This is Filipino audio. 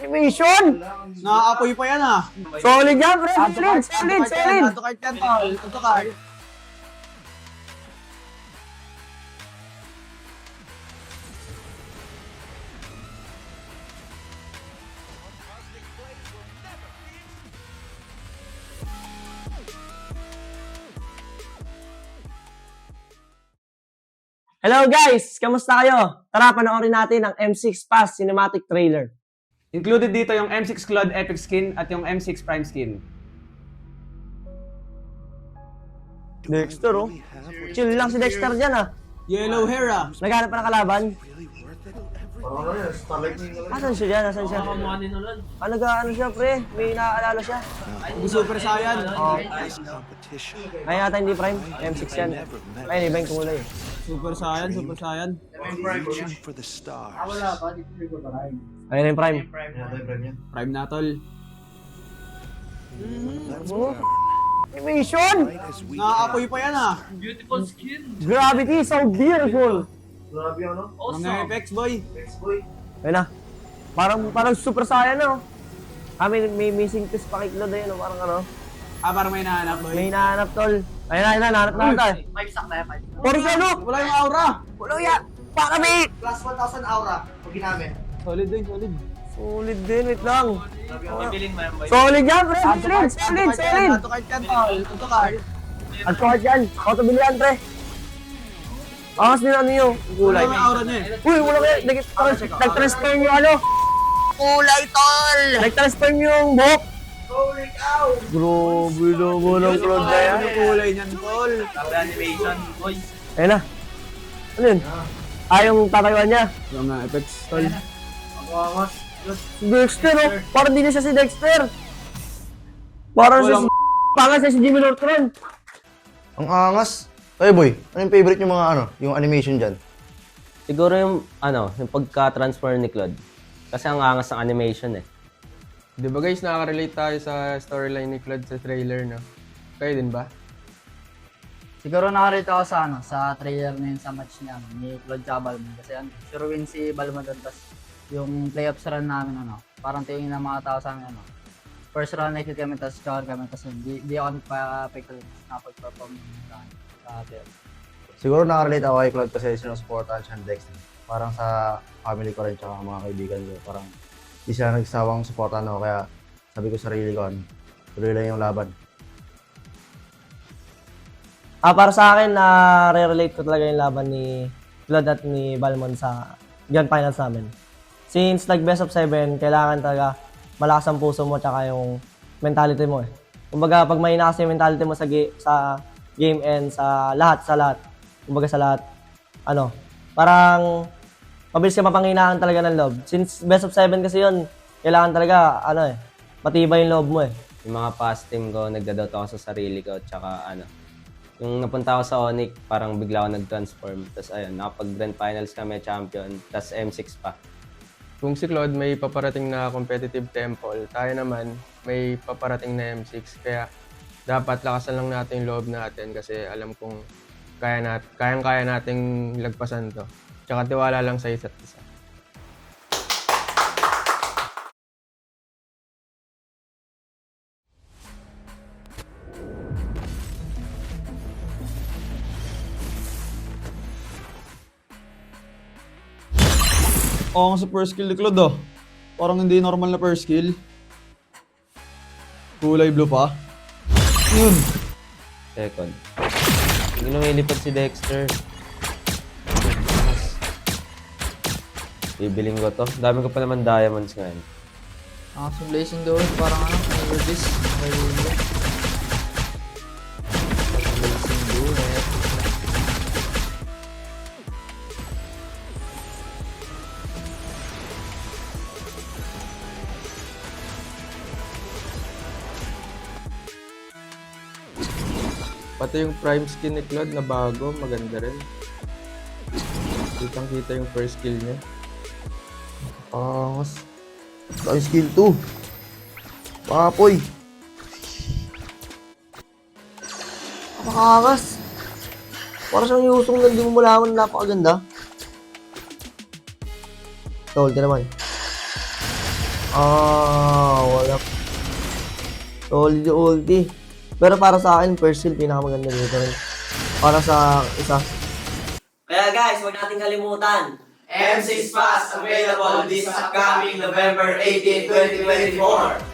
Mission! Nakaapoy pa yan ah. Solid yan, pre! Solid! Ato kahit yan, tol. Ato kahit. Hello guys! Kamusta kayo? Tara, panoorin natin ang M6 Pass Cinematic Trailer. Included dito yung M6 Claude Epic Skin at yung M6 Prime Skin. Dexter, oh. Chill lang si Dexter dyan, ah. Yellow hair ah. Naghanap pa ng kalaban. Asan siya dyan? Asan siya? Ano siya, pre? May naaalala siya. Super Saiyan. Kaya yata hindi Prime. M6 yan. Ay, iba yung kulay. Super Saiyan, Super Saiyan. Ayun na yung Prime. Prime na, tol. Mission! Nakaapoy pa yan ah. Gravity, so beautiful! Mga effects, boy. Ayun na. Parang Super Saiyan, no? May missing piece pa kay Claude, ayun, no? Parang ano. Parang may nahanap, boy. May nahanap, tol. Ayun na, nahanap na tayo. Puro siya, no? Wala yung aura. Wala yan! Para may! Plus 1,000 aura pag ginamit. Solid din, solid. Solid din, wait lang. Solid yan, pre! Solid! Ato kahit yan, tol. Ato kahit. At kahit yan, auto bilihan, pre. Angas din ano yung kulay. Wala yung aura niya eh. Uy, wala kayo. Nag-transfer yung ano. Kulay, tol! Nag-transfer yung buhok. Holy cow! Grabe naman ang Claude na yan. Ano kulay niyan, tol? Ayun na. Ano yun? Yung tatayuan niya. Mga effects, tol. Si Dexter, oh. Parang di na siya si Dexter. Parang siya si... Pangas siya si Jimmy Neutron. Ang angas. Ay boy, ano yung favorite yung mga yung animation dyan? Siguro yung pagka-transfer ni Claude. Kasi ang angas ng animation eh. Di ba guys, nakaka-relate tayo sa storyline ni Claude sa trailer, no? Kayo din ba? Siguro nakarito ako sa trailer na yun sa match niya ni Claude tsaka Balmon. Kasi sure win si Balmon doon. Tapos yung playoffs run namin, parang tingin ng mga tao sa amin, first round nakikita kami, tapos cover kami, tapos di ako nagpa-pickle na pag-perform sa atin. Siguro nakarelate ako kay Claude kasi sinusuportahan siya ng Dexter. Parang sa family ko rin tsaka mga kaibigan ko. Parang di sila nagsawang suportahan ako kaya sabi ko sa sarili ko, tuloy lang yung laban. Para sa akin, na-relate ko talaga yung laban ni Claude at ni Balmon sa Grand Finals namin. Since best of 7, kailangan talaga malakas ang puso mo tsaka yung mentality mo eh. Kumbaga, pag may kasi yung mentality mo sa game and sa lahat, kumbaga sa lahat, parang mabilis ka mapanghinaan talaga ng loob. Since best of 7 kasi yun, kailangan talaga, matibay yung loob mo eh. Yung mga past team ko, nagdadoubt ako sa sarili ko. Tsaka yung napunta ako sa Onyx, parang bigla ako nag-transform. Tapos ayun, nakapag-grand finals kami, champion. Tapos M6 pa. Kung si Claude may paparating na competitive temple, tayo naman may paparating na M6. Kaya dapat lakasan lang natin yung loob natin kasi alam kong kayang-kaya nating lagpasan to. Tsaka tiwala lang sa isa't isa. Oo nga sa first skill ni Claude oh. Parang hindi normal na first skill. Kulay blue pa. Yun. Second. Hindi lumilipad si Dexter. Bibiling ko to. Dami ko pa naman diamonds ngayon. Sa blazing doon, parang this. Blazing bullet. Pati yung prime skin ni Claude na bago, maganda rin. Kitang-kita yung first skill niya. Angas. Yung skill 2. Papoy. Napakakas. Para siyang yusong na hindi mo malaman, napakaganda. Tol, di naman. Wala. Solid yung ulti. Pero para sa akin, first skill, pinakamaganda dito rin. Para sa isa. Kaya guys, huwag nating kalimutan. M6 Pass available this upcoming November 18, 2024.